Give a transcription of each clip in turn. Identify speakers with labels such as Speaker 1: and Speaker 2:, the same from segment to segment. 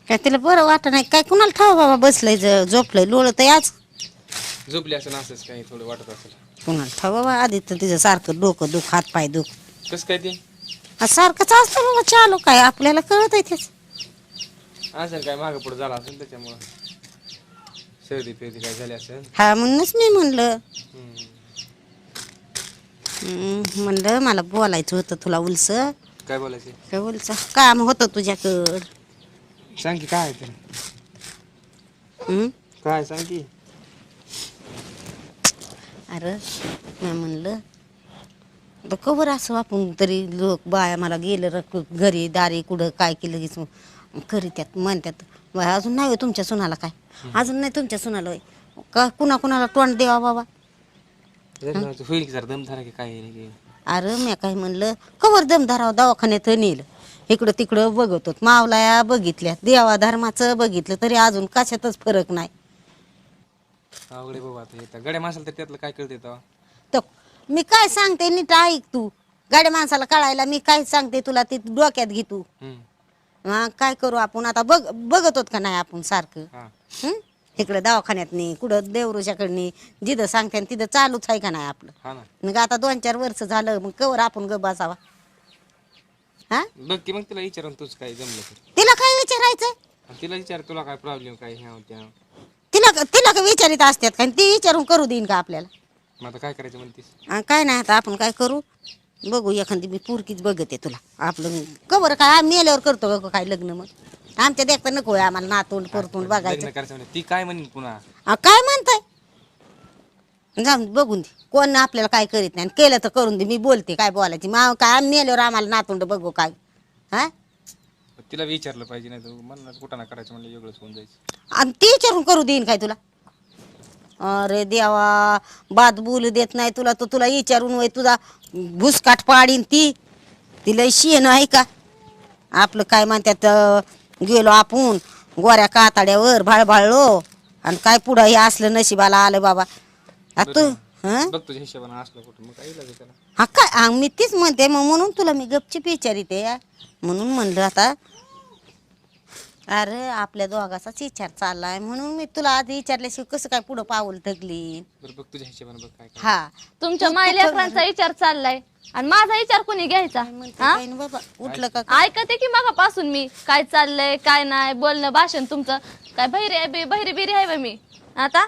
Speaker 1: काय तिला बरं वाटत नाही काय कुणाला ठाव बाबा बसलंय झोपलंय लोळत आज
Speaker 2: झोपली असं असंच काही थोडं वाटत असेल.
Speaker 1: कुणाला ठाव बाबा आधी तर तिचं सारखं डोकं दुख हात पाय दुख
Speaker 2: कसं काय ते
Speaker 1: सारखंच असतं बाबा चालू काय आपल्याला कळत आहे तेच
Speaker 2: असेल काय मागं पुढे झाला असेल त्याच्यामुळं सर्दी फिर्दी काय झाली असेल.
Speaker 1: हा म्हणूनच मी म्हणलं
Speaker 2: हम्म.
Speaker 1: म्हणलं मला बोलायचं होतं तुला उलस
Speaker 2: काय बोलायचं
Speaker 1: काय उलस काम होतं तुझ्याकडं
Speaker 2: सांग की काय आहे ते काय सांग की.
Speaker 1: अरे मी म्हणलं आता कवर असं आपण तरी लोक बाया मला गेलं घरी दारी कुठं काय केलं की करीत्यात म्हणतात बाय अजून नाही होय तुमच्या सुनाला काय अजून नाही तुमच्या सुनाला होय का कुणाला तोंड द्यावा बाबा
Speaker 2: होईल की जरा दमधारा की काय आहे की.
Speaker 1: अरे मी काय म्हणलं कवर दमधाराव दवाखान्यात नेलं इकडं तिकडं बघतो मावलाया बघितल्या देवा धर्माचं बघितलं तरी अजून कशातच फरक नाही
Speaker 2: अवघडे बाबा आता येतात गड्या माणसाला तर त्यातलं काय कळते तेव्हा.
Speaker 1: तर मी काय सांगते नीट ऐक तू गाड्या माणसाला कळायला मी काय सांगते तुला ते डोक्यात घे तू हा काय करू आपण आता बघत होत का नाही आपण सारखं
Speaker 2: हा
Speaker 1: इकडे दवाखान्यात नाही कुठं देवरुषाकडनी जिथं सांगते तिथं चालूच आहे का नाही आपलं
Speaker 2: हा ना
Speaker 1: मग आता 2-4 वर्ष झालं मग कवर आपण ग बसावा हा
Speaker 2: बघ की मग तिला विचारून तूच काय जमलं तर
Speaker 1: तिला काय विचारायचं
Speaker 2: आणि तिला विचार तुला काय प्रॉब्लेम काय ह्या त्या
Speaker 1: तिला का विचारित असतात का ती विचारून करू देईन का आपल्याला
Speaker 2: मग आता काय करायचं म्हणतीस.
Speaker 1: काय नाही आता आपण काय करू बघू एखादी मी पुरकीच बघते तुला आपलं कवर काय आम्ही मेल्यावर करतो का काय लग्न मग आमच्या देखता नको आहे आम्हाला नातोंड परतोंड बघायचं
Speaker 2: लग्न करायचं म्हणजे ती काय म्हणेन पुन्हा.
Speaker 1: काय म्हणताय जाऊन बघून दे कोण आपल्याला काय करीत नाही आणि केलं तर करून दे मी बोलते काय बोलायची मग काय आम्ही मेल्यावर आम्हाला नातोंड बघू काय हा
Speaker 2: तिला विचारलं पाहिजे नाही तर मला कुठं ना करायचं म्हणलं वेगळंच होऊन जायचं.
Speaker 1: आणि ती विचारून करू देईन काय तुला अरे देवा बात बोलू देत नाही तुला तर तुला विचारून वय तुझा भुसकाट पाडीन ती तिला शेण आहे का आपलं काय म्हणतात गेलो आपण गोऱ्या काताड्यावर भाळभाळलो आणि काय पुढं हे असलं नशिबाला आलं बाबा तू हं
Speaker 2: बघ तुझ्या हिशोबाने असलं कुठं मग काय लागेल त्याला.
Speaker 1: हा काय मी तीच म्हणते मग म्हणून तुला मी गपचीप विचारिते म्हणून म्हणलं आता अरे आपल्या दोघाचाच विचार चाललाय म्हणून मी तुला आधी विचारल्याशिवाय कसं काय पुढं पाऊल थकली
Speaker 2: बरं बघ तुझ्या हिशोबाने बघ काय काय.
Speaker 1: हा
Speaker 3: तुमच्या मायलेकरांचा विचार चाललाय आणि माझा विचार कोणी घ्यायचा
Speaker 1: म्हणते
Speaker 3: हा?
Speaker 1: काय ना बाबा उठलं का
Speaker 3: ऐकते की मगापासून मी काय चाललंय काय नाही बोलणं भाषण तुमचं काय बहिरी बिरी आहे बा मी आता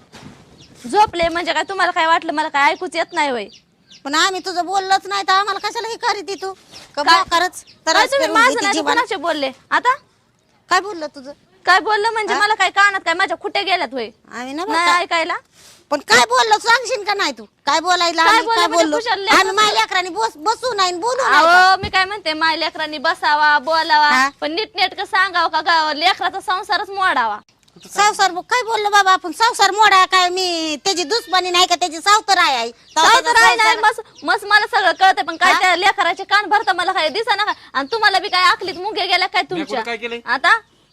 Speaker 3: झोपले म्हणजे काय तुम्हाला काय वाटलं मला काय ऐकूच येत नाही वय
Speaker 1: पण आम्ही तुझं बोललोच नाही तर आम्हाला कशाला हे करीत तू
Speaker 3: काय?
Speaker 1: खरंच
Speaker 3: काय तुम्ही माझं नाही तर कोणाचे बोलले आता
Speaker 1: काय बोललं तुझं
Speaker 3: काय बोललं म्हणजे मला काय कानात काय माझ्या खुटे गेल्यात होय
Speaker 1: आम्ही ना
Speaker 3: नाही ऐकायला
Speaker 1: पण काय बोललो सांगशील का नाही तू काय बोलायला
Speaker 3: काय
Speaker 1: आम्ही
Speaker 3: बोललं
Speaker 1: काय
Speaker 3: म्हणजे
Speaker 1: बोललो
Speaker 3: कुशाल लेकरं
Speaker 1: आम्ही माझ्या लेकरांनी बसू नाही आणि बोलू नाही का?
Speaker 3: अहो मी काय म्हणते माय लेकरांनी बसावा बोलावा
Speaker 1: हा?
Speaker 3: पण नीटनेटकं सांगावं का लेकराचा संसारच मोडावा
Speaker 1: संसार काय बोललो बाबा आपण संसार मोडा काय मी त्याची दुश्मनी नाही का त्याची सावतर आहे
Speaker 3: तर आहे नाही मस्त मला सगळं कळतंय पण काय त्या लेकराचे कान भरता मला काय दिसा का आणि तुम्हाला बी काय आखलीत मुंगे गेल्या काय
Speaker 2: मी कुठं काय
Speaker 3: तुमच्या
Speaker 2: केलंय
Speaker 3: आता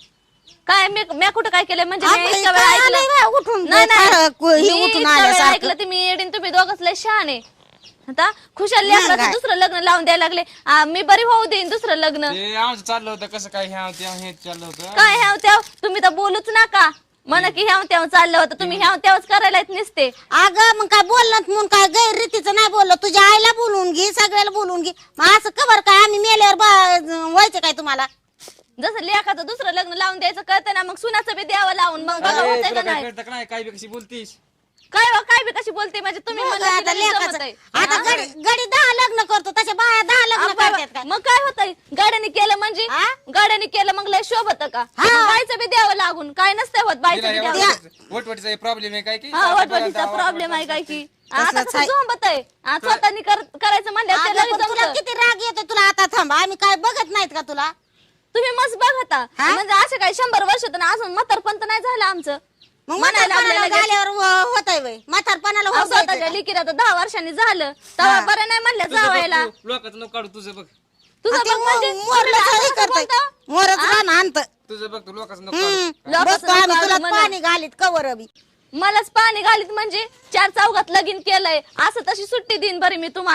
Speaker 3: काय मी कुठं काय केलंय म्हणजे मी
Speaker 1: आपलं
Speaker 3: इतका
Speaker 1: काय
Speaker 3: वेळ
Speaker 1: आलंय
Speaker 3: ऐकलं
Speaker 1: बाय, उठून
Speaker 3: नाही
Speaker 1: फार
Speaker 3: मी
Speaker 1: हे उठून
Speaker 3: इतका वेळ
Speaker 1: आल्यासारखं.
Speaker 3: ऐकलं तुम्ही येडीन तुम्ही दोघच लय शहाणे आता खुशाल लेकराचं
Speaker 1: काय?
Speaker 3: दुसरं लग्न लावून द्यायला लागले मी बरी होऊ देईन दुसरं लग्न
Speaker 2: ते आमचं चाललं होतं कसं काय ह्या त्या हे चाललं होतं.
Speaker 3: काय ह्याव त्याव तुम्ही तर बोलूच नका म्हणा की ह्याव त्याव चाललं होतं तुम्ही ह्याव त्यावच करायला येत नसते
Speaker 1: अगं मग काय बोललं म्हणून काय गैररीतीचं नाही बोललो तुझ्या आईला बोलवून घे सगळ्याला बोलवून घे मग असं कवर काय आम्ही मेल्यावर व्हायचं काय तुम्हाला
Speaker 3: जसं लेखाचं दुसरं लग्न लावून द्यायचं कळतं ना मग सुनाचं बी द्यावं लावून मग बघा
Speaker 2: अरे,
Speaker 3: होतंय
Speaker 2: तुला
Speaker 3: का
Speaker 2: काय
Speaker 3: नाही
Speaker 2: कळतं का नाही काय बी कशी बोलतीस.
Speaker 3: काय बी कशी बोलते म्हणजे तुम्ही
Speaker 1: बघ
Speaker 3: म्हणलं की
Speaker 1: आता
Speaker 3: लगेच
Speaker 1: लेकाचं.
Speaker 3: जमतंय.
Speaker 1: आता
Speaker 3: हा?
Speaker 1: गडी 10 लग्न करतो तशा बाया 10 लग्न
Speaker 3: अब्बा,
Speaker 1: करतात काय
Speaker 3: मग काय होतंय गाड्याने केलं म्हणजे
Speaker 1: हा?
Speaker 3: गाड्याने केलं मग लय शोभत का
Speaker 1: हा.
Speaker 3: मग बाईचं बी द्यावं लागून काय नसतंय होत बाईचं
Speaker 2: तिला
Speaker 3: बी
Speaker 2: हे
Speaker 3: द्यावं
Speaker 2: वटवटीचा प्रॉब्लेम आहे काय की
Speaker 3: हा वटवटीचा प्रॉब्लेम आहे काय की आता
Speaker 1: तसंच
Speaker 3: कसं
Speaker 1: आहे.
Speaker 3: झोंबत आहे स्वतःनी करायचं म्हणल्यावर ते
Speaker 1: अगं,
Speaker 3: लगेच
Speaker 1: पण तुला
Speaker 3: जमतं.
Speaker 1: किती राग येतो तुला आता थांब आम्ही काय बघत नाहीत का तुला
Speaker 3: तुम्ही मस्त बघता
Speaker 1: हा?
Speaker 3: म्हणजे असं काय 100 वर्षातून अजून म्हातारपण तर नाही झालं आमचं
Speaker 1: मग
Speaker 3: म्हणायला
Speaker 1: म्हातारपणाला
Speaker 3: लागले लगेच.
Speaker 1: झाल्यावर होतंय वय म्हातारपणाला
Speaker 3: अहो,
Speaker 1: होत जायचं
Speaker 3: स्वतःच्या
Speaker 1: का?
Speaker 3: लिकीला तर 10 वर्षांनी झालं तेव्हा बरं नाही म्हणलं जावायला
Speaker 2: लोकांचं नको काढू तुझं बघ
Speaker 3: तुझं
Speaker 1: आणि ते
Speaker 3: बघ म्हणजे
Speaker 1: मोरलं
Speaker 3: तुम्ही
Speaker 1: हे
Speaker 3: असं
Speaker 1: करतंय.
Speaker 3: बोलता?
Speaker 1: मोरच रान आणतं.
Speaker 2: तुझं बघ तू लोकांचं नको काढू.
Speaker 3: लोकांचं
Speaker 1: बसतो आम्ही
Speaker 3: नको
Speaker 1: तुला
Speaker 3: म्हणून.
Speaker 1: पाणी घालीत कवर बी
Speaker 3: मलाच पाणी घालीत म्हणजे 4 चौघात लगीन केलंय असं तशी सुट्टी देईन बरी मी तुम्हाला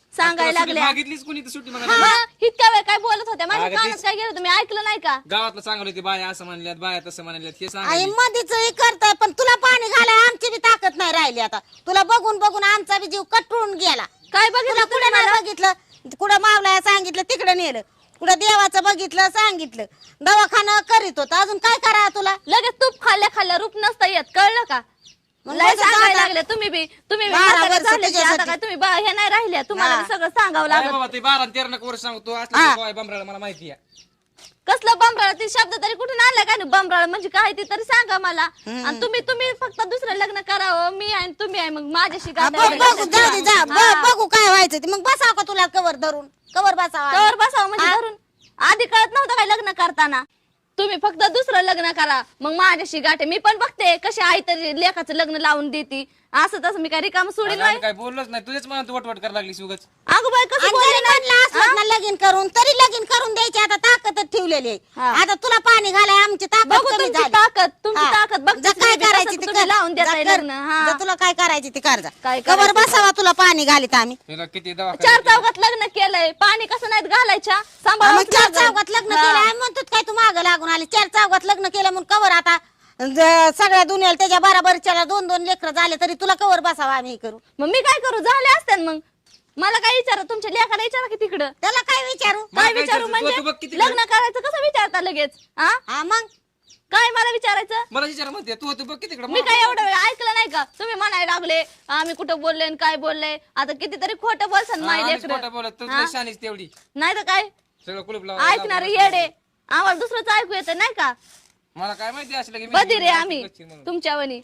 Speaker 3: सांगायला लागल्या
Speaker 2: मागितलीच कुणी तर सुट्टी मग
Speaker 3: मग इतक्या वेळ काय बोलत होत्या माझ्या
Speaker 2: अगं
Speaker 3: कानात
Speaker 2: तेच-
Speaker 3: काय गेलं तुम्ही ऐकलं नाही का?
Speaker 2: गावातलं सांगलं होते बाया असं म्हणल्यात बाया तसं म्हणल्यात हे
Speaker 1: आई
Speaker 2: सांग
Speaker 1: मधीच हे करताय पण तुला पाणी घालाय आमची बी ताकद नाही राहिली आता तुला बघून बघून आमचा बी जीव कटून गेला.
Speaker 3: काय
Speaker 1: तुला
Speaker 3: बघितलं
Speaker 1: कुठे
Speaker 3: तुम्ही
Speaker 1: नाही
Speaker 3: मला?
Speaker 1: बघितलं कुठं मावलाय सांगितलं तिकडे नेलं कुठं देवाचं बघितलं सांगितलं दवाखाना करीत होता अजून काय करा तुला.
Speaker 3: लगेच तूप खाल्ल्या खाल्ल्या रूप नसता येत कळलं का?
Speaker 1: मग
Speaker 3: लय
Speaker 1: माझं
Speaker 3: सांगायला
Speaker 1: दादा-
Speaker 3: लागले तुम्ही बी
Speaker 1: 12
Speaker 3: म्हातारे
Speaker 1: वर्ष
Speaker 3: झाले की आता
Speaker 1: तुझ्यासाठी.
Speaker 3: काय तुम्ही हे नाही राहिले तुम्हाला
Speaker 1: हा.
Speaker 3: बी सगळं सांगावं
Speaker 2: अरे
Speaker 3: लागत.
Speaker 2: बाबा ते 12 आणि 13 वर्ष सांगतो
Speaker 1: हा.
Speaker 2: असलं बमराला मला माहिती आहे.
Speaker 3: कसलं बंबराळ ती शब्द तरी कुठून आणला काय बंबराळ म्हणजे काय ते तरी सांगा मला. आणि तुम्ही फक्त दुसरं लग्न करावं मी आहे आणि तुम्ही आहे मग माझ्याशी
Speaker 1: हा,
Speaker 3: काय
Speaker 1: बघू जाऊ दे जा बघू काय व्हायचं ते मग बसाव का तुला कवर धरून कवर बसावा
Speaker 3: कवर बसावं म्हणजे धरून आधी कळत नव्हतं काय लग्न करताना. तुम्ही फक्त दुसरं लग्न करा मग माझ्याशी गाठे मी पण बघते कशी आई तरी लेखाचं लग्न लावून देती असं तसं मी काय रिकाम सोडील
Speaker 2: अगं, आम्ही काय बोललोच नाही तुझ्याच मनात वटवट करायला लागली उगाच.
Speaker 3: अगं बाई कसं
Speaker 1: आणि
Speaker 3: बोलले
Speaker 1: जरी
Speaker 3: नाही?
Speaker 1: म्हणलं असलं ना लगीन करून तरी लगीन करून द्यायची आता ताकदच ठेवलेली आहे.
Speaker 3: हा.
Speaker 1: आता तुला पाणी घालाय आमची ताकद
Speaker 3: बघू
Speaker 1: कमी
Speaker 3: तुमची
Speaker 1: झाली.
Speaker 3: ताकद तुमची
Speaker 1: हा.
Speaker 3: ताकद बघ
Speaker 1: जा काय करायची ते कर.
Speaker 3: लावून
Speaker 1: जा
Speaker 3: देताय
Speaker 1: कर.
Speaker 3: लग्न हा
Speaker 1: जा तुला काय करायची ते कर जा
Speaker 3: काय
Speaker 1: कवर
Speaker 3: करायचं
Speaker 1: बसावा तुला पाणी घालीत आम्ही
Speaker 2: तिला किती
Speaker 3: चार
Speaker 2: दवाखान्यात
Speaker 3: चौकात लग्न केलंय पाणी कसं नाहीत घालायच्या
Speaker 1: हा,
Speaker 3: सांभाळून
Speaker 1: मग चार चौघात लग्न केलं आम्ही म्हणतो काय तू मागं लागून आली 4 चौघात लग्न केलं म्हणून कवर आता सगळ्या दुनियाला त्याच्या बराबरच्या 2-2 लेकरं झाले तरी तुला कवर बसावा आम्ही हे करू.
Speaker 3: मग मी काय करू झाले असते मग मला काय विचारा तुमच्या लेखाला विचारा की तिकडं
Speaker 1: त्याला काय विचारू
Speaker 2: मला
Speaker 3: काय
Speaker 2: काय
Speaker 3: विचारू
Speaker 2: विचारायचं? तू बघ
Speaker 3: म्हणजे
Speaker 2: किती
Speaker 3: लग्न करायचं कसं विचारता लगेच हा
Speaker 1: हा मग
Speaker 3: काय मला विचारायचं
Speaker 2: मला विचार म्हणते तू बघ किती
Speaker 3: मी काय एवढं वेळ ऐकलं नाही का तुम्ही म्हणायला लागले आम्ही कुठं बोलले आणि काय बोलले आता कितीतरी खोटं बोलसान माय लेकरं.
Speaker 2: खोटं बोलत तू
Speaker 3: हा?
Speaker 2: शानीच तेवढी
Speaker 3: नाही तर काय
Speaker 2: सगळं कुलूप
Speaker 3: ऐकणार येडे आम्हाला दुसरंच ऐकू येतं नाही का
Speaker 2: मला काय माहिती असलं की
Speaker 3: बधीर आहे आम्ही तुमच्यावनी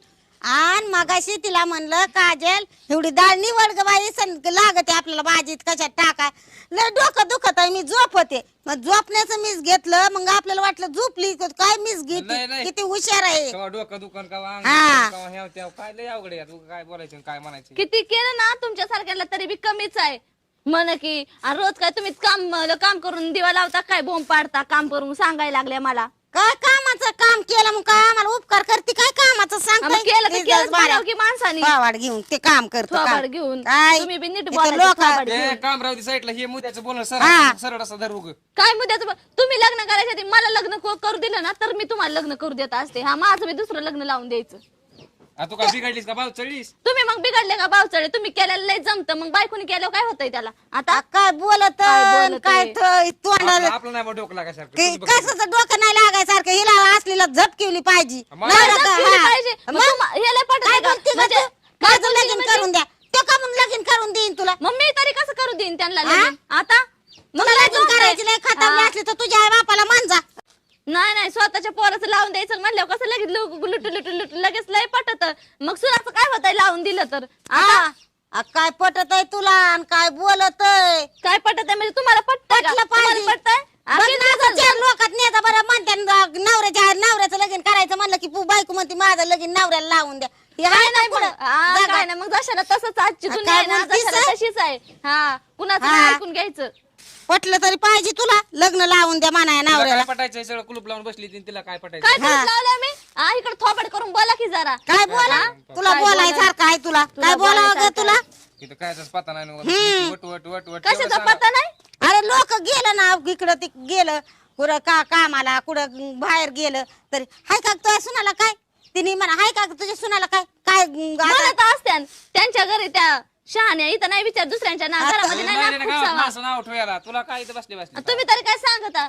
Speaker 1: आण मगाशी तिला म्हणलं काजल एवढी डाळ निवड ग बाई लागते आपल्याला भाजीत कशात टाकाय लय डोकं दुखत आहे मी झोपते मग झोपण्याचं मीच घेतलं मग आपल्याला वाटलं झोपली काय मीच
Speaker 2: नाही,
Speaker 1: घेते
Speaker 2: नाही.
Speaker 1: किती हुशार आहे
Speaker 2: केव्हा डोकं दुकान केव्हा अंग
Speaker 1: हा.
Speaker 2: दुखन, केव्हा ह्याव त्याव. काय लय अवघड आहे तू काय बोलायचं आणि काय म्हणायचं
Speaker 3: किती केलं ना तुमच्या सारख्याला तरी बी कमीच आहे म्हण की आणि रोज काय तुम्ही काम करून दिवा लावता काय बोंब पाडता काम करून सांगायला लागले मला
Speaker 1: काय कामाचं काम केलं मग काय आम्हाला उपकार करते काय कामाचं
Speaker 3: मग केलं तर केलंच
Speaker 1: सांगताय
Speaker 3: म्हणावं की माणसानी
Speaker 1: पावाड घेऊन ते काम करतो
Speaker 3: थोबाड
Speaker 1: काम.
Speaker 3: घेऊन
Speaker 1: काय
Speaker 3: तुम्ही बी नीट
Speaker 1: इथं
Speaker 3: बोलायचं,
Speaker 1: लोकं-
Speaker 3: थोबाड
Speaker 2: ते
Speaker 3: घेऊन.
Speaker 2: काम राहू दे साईडला हे मुद्द्याचं बोलणं
Speaker 1: हा.
Speaker 2: सरळ असा धरू ग.
Speaker 3: काय मुद्द्याचं तुम्ही लग्न करायच्या आधी मला लग्न करू दिलं ना तर मी तुम्हाला लग्न करू देत असते हा माझं मी दुसरं लग्न लावून द्यायचं
Speaker 2: आ, तू काय बिघडलीस का भाऊ चढलीस
Speaker 3: तुम्ही मग बिघडले का बावचळे तुम्ही केलेलं लय जमतं मग बायकोनी केलं काय होतंय त्याला आता
Speaker 1: आ, काय बोलत
Speaker 3: काय बोलत
Speaker 1: काय
Speaker 3: आहे?
Speaker 1: तोंडाला
Speaker 2: आपलं नाही बा डोकं लागायसारखं
Speaker 1: की
Speaker 2: तुझं बघ.
Speaker 1: कशाचं डोकं नाही लागायसारखं हिला असलेला झटकिवली पाहिजे
Speaker 2: मला
Speaker 1: नाही
Speaker 3: काय
Speaker 1: का?
Speaker 3: जपली
Speaker 1: हा.
Speaker 3: पाहिजे? मग
Speaker 1: मग
Speaker 3: तुम्हा- हे लय पटत
Speaker 1: काय
Speaker 3: आहे का?
Speaker 1: बोलती
Speaker 3: म्हणजे
Speaker 1: गं तू?
Speaker 3: काय
Speaker 1: माझं
Speaker 3: बोलती
Speaker 1: लगीन
Speaker 3: म्हणजे?
Speaker 1: करून द्या तो का म्हणून लगीन करून देईन तुला
Speaker 3: मग मी तरी कसं करू देईन त्यांना
Speaker 1: हा?
Speaker 3: लगीन? आता मग
Speaker 1: तुला
Speaker 3: काय
Speaker 1: लगीन
Speaker 3: जोक आहे?
Speaker 1: करायची नाही खतावली
Speaker 3: हा.
Speaker 1: असली तर तुझ्या आई बापाला मान जा
Speaker 3: नाही स्वतःच्या पोराचं लावून द्यायचं म्हणल्यावर कसं लगेच लुटू लगेच लय पटत मग सुनाचं काय होतंय लावून दिलं तर आता
Speaker 1: हा. आ, काय पटत आहे तुला आणि काय बोलत आहे
Speaker 3: काय पटत आहे म्हणजे तुम्हाला पटतंय का?
Speaker 1: पटलं पाहिजे.
Speaker 3: तुम्हाला पटतंय?
Speaker 1: बघ
Speaker 3: किती
Speaker 1: ना,
Speaker 3: दिवस
Speaker 1: चार लोकात नेता बरं म्हणते नवऱ्याचं लगीन करायचं म्हणलं की बायको म्हणते माझं लगीन नवऱ्याला लावून द्या हे
Speaker 3: काय
Speaker 1: आहे
Speaker 3: नाही
Speaker 1: ना पुढं?
Speaker 3: हा,
Speaker 1: जागा.
Speaker 3: काय नाही मग जशाला तसंच आजची
Speaker 1: हा,
Speaker 3: दुनिया
Speaker 1: काय
Speaker 3: आहे ना
Speaker 1: बोलतीस,
Speaker 3: जशाला
Speaker 1: हा?
Speaker 3: तशीच आहे हा कुणाचं
Speaker 1: हा.
Speaker 3: नाही ऐकून घ्यायचं
Speaker 1: पटलं तरी पाहिजे तुला लग्न लावून द्या म्हणाय
Speaker 2: तिला
Speaker 1: नवऱ्याला
Speaker 2: काय पटायचं सगळं कुलूप लावून बसली ती, तिला काय पटायचं
Speaker 3: काय
Speaker 1: हा.
Speaker 3: लावलं मी हा इकडे थोबड करून बोला की जरा
Speaker 1: काय बोला
Speaker 3: हा?
Speaker 1: तुला
Speaker 3: काय
Speaker 1: बोलायसारखं आहे तुला
Speaker 3: तुला
Speaker 1: काय बोलावं ग
Speaker 3: बोलायसारखं
Speaker 1: तुला
Speaker 2: तिथं कायचाच पता नाही ना. वट वट वट वट
Speaker 3: कशाचा
Speaker 2: तेवढं सांगा.
Speaker 3: पत्ता नाही
Speaker 1: अरे लोक गेलं ना इकडं ते गेलं कुठं कामाला कुठं बाहेर गेलं तरी हाय का तुझ्या सुनाला काय तिने म्हणा हाय का तुझ्या सुनाला काय काय आता-
Speaker 3: म्हणत असत्यान त्यांच्या घरी त्या शहाण्या इथं नाही विचार दुसऱ्यांच्या ना
Speaker 1: आता-
Speaker 3: घरामध्ये नाही
Speaker 2: नाही,
Speaker 3: नाक
Speaker 2: नाही, गावात
Speaker 3: खुपसावा.
Speaker 2: माणसं नाव ठेवायला तुला काय इथं बसले बसले
Speaker 3: तुम्ही तरी काय सांगता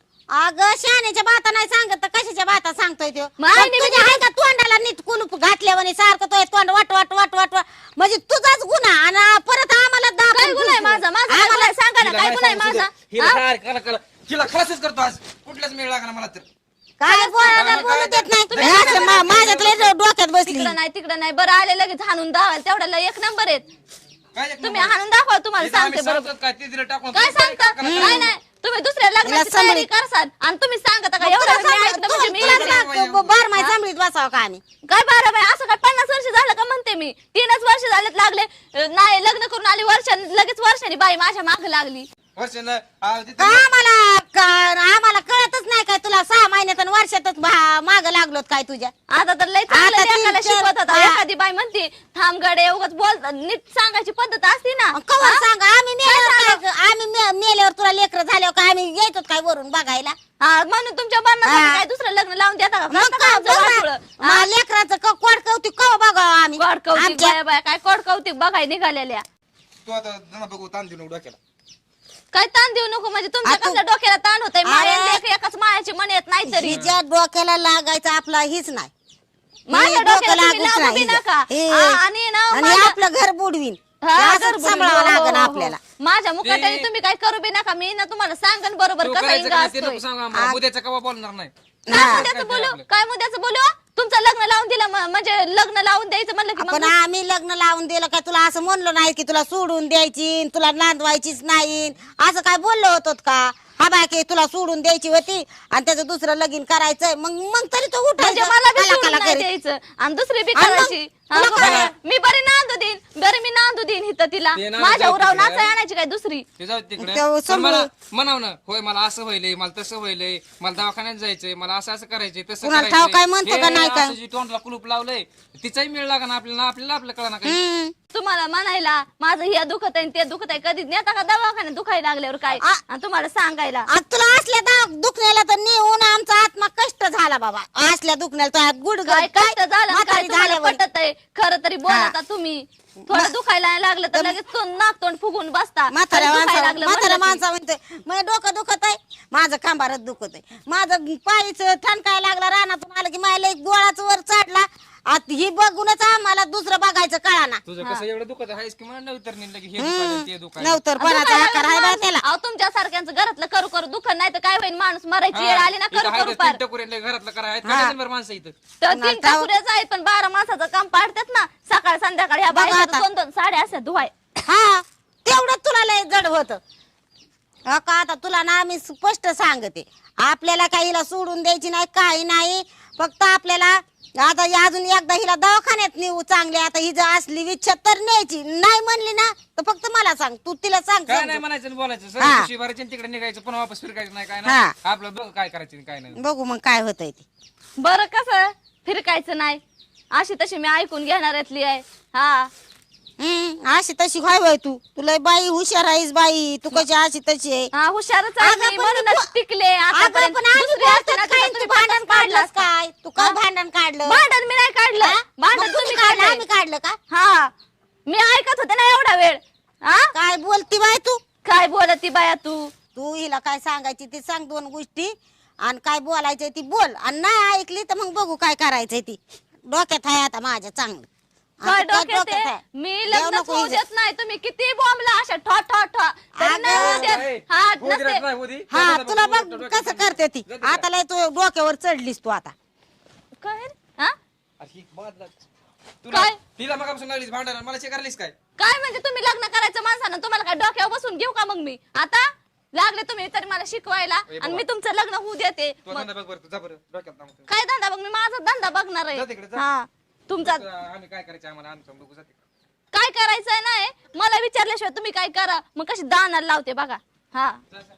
Speaker 1: अगं शहाण्याच्या बाता नाही सांगत तर कशाच्या बाता सांगतोय तो
Speaker 3: मग आईने
Speaker 1: तुझ्या हाय का तोंडाला नीट कुलूप घातल्यावानी सारखं तो तोंड वट वट वट वट वट. म्हणजे तुझाच गुन्हा आणि परत आम्हाला दाबून
Speaker 3: काय गुन्हा आहे
Speaker 1: ठेवतो.
Speaker 3: माझा माझा काय गुन्हा आहे? सांगा ना काय गुन्हा आहे माझा हा?
Speaker 2: हिला खलासच करतो आज कुठलाच मेळ लागला मला तर
Speaker 1: काय बोलायला बोलू देत नाही हे असं माझ्यातल्या डोक्यात बसली
Speaker 3: तिकडं नाही बरं आले लगेच हाणून दावाल तेवढ्याला एक नंबर आहेत
Speaker 2: काय एक
Speaker 3: तुम्ही
Speaker 2: नंबर?
Speaker 3: हाणून दाखवा तुम्हाला
Speaker 2: इथं आम्ही
Speaker 3: सांगते बरोबर
Speaker 2: सांगतो काय ते तिला टाकून
Speaker 3: काय सांगता नाही नाही तुम्ही दुसऱ्या लग्नाची
Speaker 1: तिला
Speaker 3: तयारी
Speaker 1: सांभाळी.
Speaker 3: करसाल आणि तुम्ही सांगता का एवढं मी ऐकलं म्हणजे मी लग्न
Speaker 1: बार माय सांभळीत बसावं का आम्ही
Speaker 3: काय बारा बाई असं काय 50 वर्ष झालं का म्हणते मी 3च वर्ष झालेत लागले नाही लग्न करून आली लगेच वर्षांनी बाई माझ्या माग लागली
Speaker 2: वर्षानं, आ, तिथं-
Speaker 1: आम्हाला कळतच नाही काय तुला 6 महिन्यात आणि वर्षातच माग लागलो काय तुझ्या
Speaker 3: आता तर लय चांगलं
Speaker 1: आता
Speaker 3: लेकाला
Speaker 1: तीन-
Speaker 3: शिकवत होता
Speaker 1: हा.
Speaker 3: एखादी बाई म्हणते थांब गडे उगाच बोल नीट सांगायची पद्धत असती ना
Speaker 1: कवा
Speaker 3: हा?
Speaker 1: सांग आम्ही मेल्यावर तुला लेकर झाल्यावर काय आम्ही यायचो काय वरून बघायला
Speaker 3: हा, म्हणून तुमच्या मरणासाठी
Speaker 1: हा.
Speaker 3: काय दुसरं लग्न लावून देता का?
Speaker 1: मग
Speaker 3: करता का
Speaker 1: काय
Speaker 3: आमचं वाटोळं?
Speaker 1: बघा, लेकराचं कोड कौतिक कवा बघावं आम्ही
Speaker 3: कोड कौतिक
Speaker 1: आमच्या-
Speaker 3: बाया बाया काय कोड कौतिक बघाय निघालेल्या
Speaker 2: तू आता जणा बघू ताण देऊ नको डोक्याला.
Speaker 3: काय ताण देऊ नको म्हणजे तुमच्या
Speaker 1: आता-
Speaker 3: कसल्या डोक्याला ताण होतंय
Speaker 1: अरे.
Speaker 3: माया एकाच मायाची मन येत नाही तरी
Speaker 1: हिच्या डोक्याला लागायचं आपला हीच नाही
Speaker 3: माझ्या
Speaker 1: हे
Speaker 3: डोक्याला
Speaker 1: डोकं
Speaker 3: तुम्ही
Speaker 1: लागूच
Speaker 3: लागू बी
Speaker 1: नाही
Speaker 3: नका
Speaker 1: हे.
Speaker 3: हा, आणि ना
Speaker 1: आणि
Speaker 3: माझ्या-
Speaker 1: आपलं घर बुडवीन
Speaker 3: हा,
Speaker 1: हे असंच
Speaker 3: घर बुडवीन.
Speaker 1: सांभाळावं
Speaker 3: हो, हो,
Speaker 1: लागेल
Speaker 3: हो.
Speaker 1: आपल्याला
Speaker 3: माझ्या मुखाट्याने
Speaker 2: ते-
Speaker 3: तुम्ही काय करू बी नका मी ना तुम्हाला सांगन बरोबर
Speaker 2: तू
Speaker 3: कसा
Speaker 2: करायचं
Speaker 3: इंगा
Speaker 2: का ते
Speaker 3: असतोय
Speaker 2: नको सांगू आम्हाला. उद्याचं कवा बोलणार नाही.
Speaker 3: काय
Speaker 1: हा.
Speaker 3: मुद्द्याचं बोलू काय मुद्द्याचं बोलू तुमचं लग्न लावून दिलं म्हणजे लग्न लावून द्यायचं म्हणलं की
Speaker 1: पण
Speaker 3: मग
Speaker 1: आम्ही लग्न लावून दिलं काय तुला असं म्हणलो नाही की तुला सोडून द्यायची तुला नांदवायचीच नाही असं काय बोललो होतो का हा बाकी तुला सोडून द्यायची होती आणि त्याचं दुसरं लगीन करायचंय मग मग तरी तो
Speaker 3: म्हणजे
Speaker 1: उठायचं
Speaker 3: मला बी
Speaker 1: कला
Speaker 3: सोडून
Speaker 1: कला
Speaker 3: नाही
Speaker 1: करीत.
Speaker 3: द्यायचं आणि दुसरी बी
Speaker 1: आणि मग
Speaker 3: करायची हा,
Speaker 1: तुला
Speaker 3: बघा,
Speaker 1: काय?
Speaker 3: मी बरी नांदू देईन बरी मी नांदू देईन इथं तिला
Speaker 2: ते नांदू
Speaker 3: माझ्या
Speaker 2: जाऊ
Speaker 3: उराव
Speaker 2: तिकडे.
Speaker 3: नाचा आणायची काय दुसरी
Speaker 2: ते जाऊ तिकडे
Speaker 1: तेव्हा
Speaker 2: पण मला
Speaker 1: समजू.
Speaker 2: म्हणाव ना होय मला असं व्हायलंय मला तसं व्हायलंय मला दवाखान्यात जायचंय मला असं असं करायचंय तसं
Speaker 1: कुणाला ठाव काय म्हणतो का नाही काय?
Speaker 2: असं जी तोंडला कुलूप लावलंय तिचाही मेळ लागा ना आपल्याला आपलं कळा ना काही
Speaker 1: हम्म.
Speaker 3: तुम्हाला म्हणायला माझं हे दुखत आहे ते दुखत आहे कधी नेता का दवाखान्यात दुखायला लागल्यावर काय
Speaker 1: आ-
Speaker 3: आणि तुम्हाला सांगायला
Speaker 1: आता तुला असल्या दुखण्याला तर नेऊन आमचा आत्मा कष्ट झाला बाबा असल्या दुखण्याला तर गुड
Speaker 3: काय कष्ट झालं आणि काय तुम्हाला
Speaker 1: झाल्यावर
Speaker 3: पटत आहे खरं तरी बोलता तुम्ही थोडं दुखायला लागलं तर लगेच नाक तोंड फुगून बसता
Speaker 1: म्हाताऱ्या
Speaker 3: दुखायला
Speaker 1: माणसा
Speaker 3: लागलं
Speaker 1: म्हाताऱ्या
Speaker 3: म्हणलं की.
Speaker 1: माणसा म्हणते माझं डोकं दुखत आहे माझं खांबारच दुखत आहे माझं पायच ठणकाय लागला रानातून आलं की माझ्या एक गोळाचं वर चढला आता ही बघूनच आम्हाला दुसरं बघायचं कळाना
Speaker 2: तुझं कसं एवढं दुखत आहेस की मला नवतर नाही लगे हे दुखायलं ते दुखायलं
Speaker 1: नवतर पणाचा आकार आहे बा त्याला
Speaker 3: अहो तुमच्या सारख्यांचं घरातलं करू करू दुःख नाही तर काय होईल माणूस मरायची वेळ आली ना करू करू पार
Speaker 2: घरातलं करा आहेत का डझनभर माणसं इथं
Speaker 3: तर तीन टाकुऱ्याच आहेत पण 12 माणसाचं काम पाडतात ना सकाळ संध्याकाळी ह्या
Speaker 1: बघा
Speaker 3: बायकाचं
Speaker 1: आता.
Speaker 3: 2-2 साड्या असतात धुवाय
Speaker 1: हा तेवढं तुला लय जड होत का आता तुला ना आम्ही स्पष्ट सांगते आपल्याला काही हिला सोडून द्यायची नाही काही नाही फक्त आपल्याला आता ही अजून एकदा हिला दवाखान्यात नेऊ चांगली आता ही जर असली इच्छा तर न्यायची नाही म्हणली ना तर फक्त मला सांग तू तिला सांग
Speaker 2: काय नाही
Speaker 1: समजून.
Speaker 2: म्हणायचं आणि बोलायचं
Speaker 1: हा.
Speaker 2: सर भरायचे आणि तिकडे निघायचं पण वापस फिरकायचं नाही काय
Speaker 1: हा.
Speaker 2: नाही आपलं बघ काय करायचं आणि काय नाही
Speaker 1: बघू मग काय होतंय ते
Speaker 3: बरं कसं फिरकायचं नाही अशी तशी मी ऐकून घेणाऱ्यातली आहे हा
Speaker 1: अशी तशी काय बाई तू तुला बाई हुशार आहेस बाई तू कशी अशी तशी आहे
Speaker 3: हा हुशारच आहे
Speaker 1: अगं,
Speaker 3: मी,
Speaker 1: पण
Speaker 3: म्हणूनच
Speaker 1: तू-
Speaker 3: टिकले
Speaker 1: अगं,
Speaker 3: आतापर्यंत
Speaker 1: पण आम्ही
Speaker 3: दुसरी असते
Speaker 1: बोलतात
Speaker 3: ना
Speaker 1: काय,
Speaker 3: तर
Speaker 1: तू
Speaker 3: तुम्ही
Speaker 1: भांडण
Speaker 3: पटकन काढलं
Speaker 1: काढलंस
Speaker 3: असतं.
Speaker 1: काय तू काय भांडण काढलं
Speaker 3: भांडण मी नाही काढलं
Speaker 1: हा?
Speaker 3: भांडण
Speaker 1: मग
Speaker 3: तुम्ही
Speaker 1: काढलं
Speaker 3: काढलंय.
Speaker 1: आम्ही काढलं का
Speaker 3: हा मी ऐकत होते ना एवढा वेळ हा
Speaker 1: काय बोलती बाई तू
Speaker 3: काय बोलती बाया तू
Speaker 1: तू हिला काय सांगायची ते सांग दोन गोष्टी आणि काय बोलायचंय ती बोल आणि नाही ऐकली तर मग बघू काय करायचंय ती डोक्यात आहे आता माझ्या चांगलं
Speaker 3: काय
Speaker 1: आता त्या
Speaker 3: डोक्यात आहे?
Speaker 1: आहे.
Speaker 3: मी
Speaker 1: देव
Speaker 3: लग्न
Speaker 1: नको
Speaker 3: होऊ
Speaker 1: हिचं.
Speaker 3: देत नाही तुम्ही किती बॉम्बला अशा ठॉ ठॉ ठॉ तरी
Speaker 1: अगं,
Speaker 3: नाही होऊ देत.
Speaker 2: ए,
Speaker 3: हा
Speaker 2: होऊ दे रे,
Speaker 3: नसते
Speaker 2: नाही होऊ दे.
Speaker 1: हा
Speaker 2: डोक्यात
Speaker 1: तुला
Speaker 2: बघ,
Speaker 1: बघ
Speaker 2: डोक्यात
Speaker 1: कसं
Speaker 2: बघ.
Speaker 1: करते ती
Speaker 2: जाते का?
Speaker 1: आता लय तू डोक्यावर चढलीस तू आता
Speaker 3: काय हा
Speaker 2: अरे ही बाद लाग. तुला
Speaker 3: काय?
Speaker 2: तिला मगापासून लागलीस भांडायला मला करायलीस काय
Speaker 3: काय म्हणजे तुम्ही लग्न करायचं माणसानं तुम्हाला काय डोक्यावर बसून घेऊ का मग मी आता लागले तुम्ही तरी मला शिकवायला
Speaker 2: ए
Speaker 3: आणि मी तुमचं लग्न होऊ देते
Speaker 2: तू
Speaker 3: मग
Speaker 2: धंदा बघ बरं तू जा बरं डोक्यात लावून
Speaker 3: काय धंदा बघ मी माझा धंदा बघणार
Speaker 2: जा तिकडे,
Speaker 3: आहे
Speaker 2: जा.
Speaker 3: हा तुमचा
Speaker 2: आम्ही काय करायचं आम्हाला आमचं बघू जाते
Speaker 3: काय करायचंय नाही मला विचारल्याशिवाय तुम्ही काय करा मग कशी दानाला लावते बगा हा